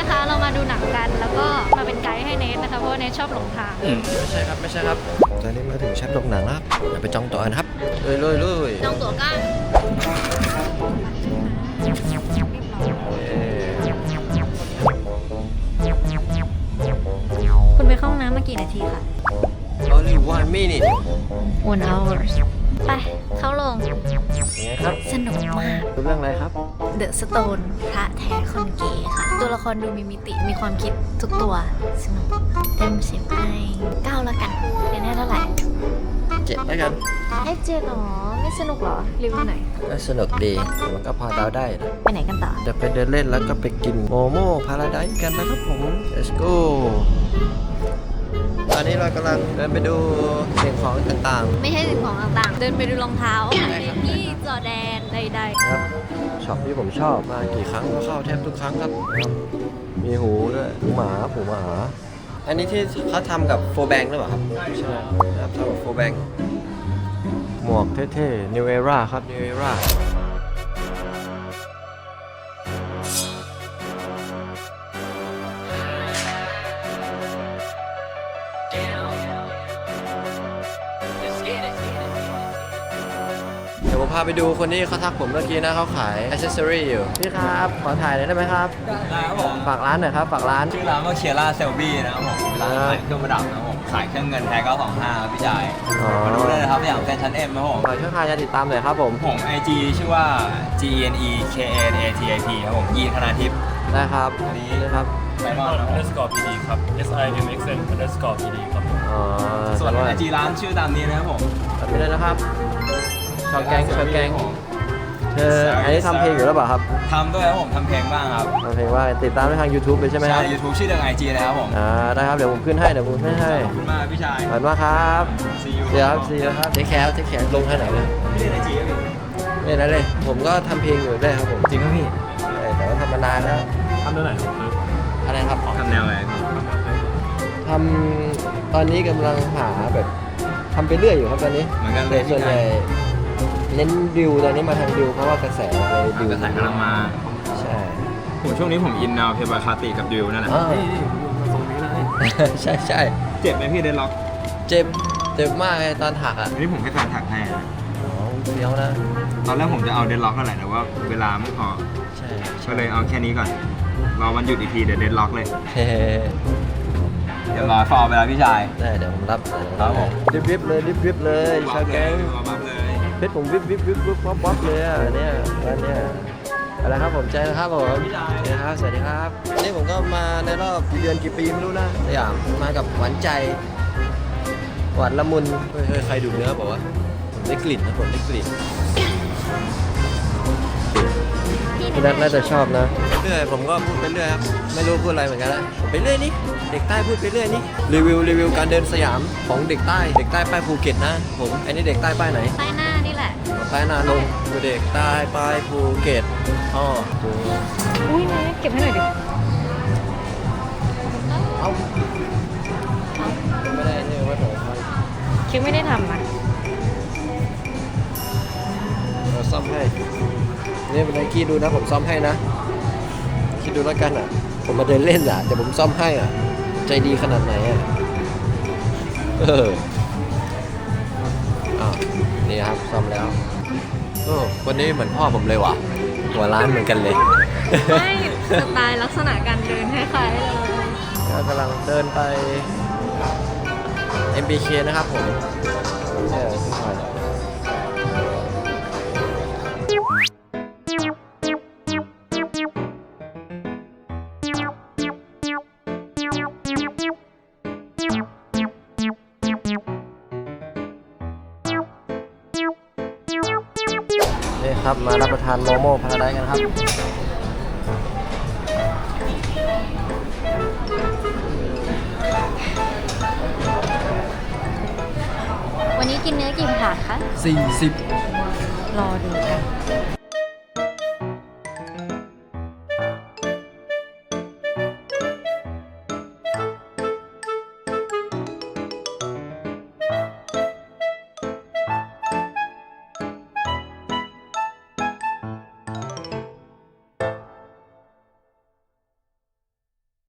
นะคะเรามาดูหนังกันแล้วก็มาเป็นไกด์ให้เนทนะคะเพราะว่าเนทชอบหลงทางไม่ใช่ครับไม่ใช่ครับตอนนี้มาถึงชั้นโรงหนังแล้วเดี๋ยวไปจองตั๋วกันครับเลยจองตั๋วกันคุณไปเข้าห้องน้ำมากี่นาทีคะ Only 1 minute 1 hours ไปเข้าโรงยังไงครับสนุกมากดูเรื่องอะไรครับเดอะสโตนพระแท้คนเก๋ค่ะ ตัวละครดูมีมิติมีความคิดทุกตัวสนุกเต็ม10ให้9แล้วกันเรียนให้เท่าไหร่ 7แล้วกันให้7หรอไม่สนุกหรอรีวิวไหนก็สนุกดีแต่มันก็พอเดาได้นะไปไหนกันต่อจะไปเดินเล่นแล้วก็ไปกินโมโม่พาราไดซ์กันนะครับผม let's go ตอนนี้เรากำลังเดินไปดูสิ่งของต่างไม่ใช่สิ่งของต่างๆ เดินไปดูรองเท้าได้ครับที่จอแดนใดๆครับช็อปที่ผมชอบมากี่ครั้งก็เข้าแทบทุกครั้งครับมีหูด้วยหูหมาอันนี้ที่เขาทำกับโฟแบงหรือเปล่าครับใช่ไหมครับทำกับโฟแบงหมวกเท่ๆ New Era ครับ New Era เดี๋ยวผมพาไปดูคนที่เขาทักผมเมื่อกี้นะเขาขายอ c เซสซอรี่อยู่พี่ครับขอถ่ายหน่อยได้ไหมครับได้ครับผมฝากร้านหน่อยครับฝากร้านชื่อร้านว่าเคียร่าเซลบี้นะครับผมร้านขายเครื่องประดับนะครับผมขายเครื่องเงินแท้925ครับพี่ชายอ๋อมาดูได้เลยครับอย่างเป็นชั้น M ครับผมขอช่องทางการติดตามหน่อยครับผมผม IG ชื่อว่า GENEKNATIP ครับผมยีนธนาทิพย์ได้ครับอันนี้นะครับไดมอนด์ครับผม underscore PD ครับ SIMXN underscore PD ครับอ๋อส่วนแต่ว่า IG ร้านชื่อตามนี้นะครับผมตัดไปเลยนะครับชาวแก๊งเธออันนี้ทำเพลงอยู่แล้วเปล่าครับทำด้วยครับผมทำเพลงบ้างครับทำเพลงว่าติดตามได้ทาง YouTube เลยใช่ไหมคใช่รับ YouTube ชื่อเรื่อง IG เลยครับผมได้ครับเดี๋ยวผมขึ้นให้ขอบคุณมากพี่ชายขอบคุณมากครับ See you เดี๋ยวครับซีครับเทคแคร์ลงทางไหนนะพี่เล่น IG ครับพี่นี่นะเลยผมก็ทำเพลงอยู่ด้วยครับผมจริงครับพี่ใช่แต่ว่าทำมานานแล้วทำเท่าไหร่ครับอะไรครับทำแนวอะไรพี่ทำตอนนี้กำลังหาแบบทำไปเรื่อยอยู่ครับตอนนี้เหมือนกันเลแต่ยส่พี่วนใหชาญ่ยเน้นดิวตอนนี้มาทางดิวเพราะว่ากระแสอะไรดิวกระแสกำลังมาใช่ผมช่วงนี้ผมอินแนวเพลย์บอยคาติกับดิวนั่นแหละอ่าตรงนี้เลยใช่เจ็บไหมพี่เดนล็อกเจ็บมากเลยตอนถักอ่ะอันนี้ผมให้แฟนถักให้นะอ๋อเฟี้ยวนะตอนแรกผมจะเอาเดนล็อกกันแหละแต่ว่าเวลาไม่พอใช่ก็เลยเอาแค่นี้ก่อน รอวันหยุดอีกทีเดี๋ยวเดนล็อกเลยเฮ้เดี๋ยวรอฟอร์ไปแล้วพี่ชายได้เดี๋ยวผมรับครับผมริบเลยชาวแก๊งบับเลยเพชรผมวิบป๊อปเลยอ่ะเนี่ยร้านเนี้ยอะไรครับผมใจนะครับผมนะครับสวัสดีครับนี่ผมก็มาในรอบกี่เดือนกี่ปีไม่รู้นะสยามมากับหวานใจหวานละมุนเฮ้ยใครดูเนื้อบอกว่าผมได้กลิ่นนะผมได้กลิ่นพี่นัทน่าจะชอบนะเรื่อยผมก็พูดไปเรื่อยครับไม่รู้พูดอะไรเหมือนกันละไปเรื่อยนี่เด็กใต้พูดไปเรื่อยนี่รีวิวการเดินสยามของเด็กใต้ป้ายภูเก็ตนะผมอันนี้เด็กใต้ป้ายไหนๆใต้หน้านี่แหละใต้นาลงคือเด็กใต้ป้ายภูเก็ตอ๋ออุ้ยเนทเก็บให้หน่อยดิเอาไม่ได้นี่ว่าผมคิวไม่ได้ทำนะเราซ่อมให้นี่เป็นไนกี้ดูนะผมซ่อมให้นะคิดดูแล้วกันอ่ะผมมาเดินเล่นอ่ะแต่ผมซ่อมให้อ่ะใจดีขนาดไหนอ่ะอ้าวนี่ครับซ่อมแล้วโอ้คนนี้เหมือนพ่อผมเลยว่ะหัวร้านเหมือนกันเลยไม่สไตล์ลักษณะการเดินคล้ายๆเลยก็กำลังเดินไป MBK นะครับผมทุกคนนี่ครับมารับประทานโมโม่พาราไดซ์กันครับวันนี้กินเนื้อกี่ถาดคะ 40 รอดูกัน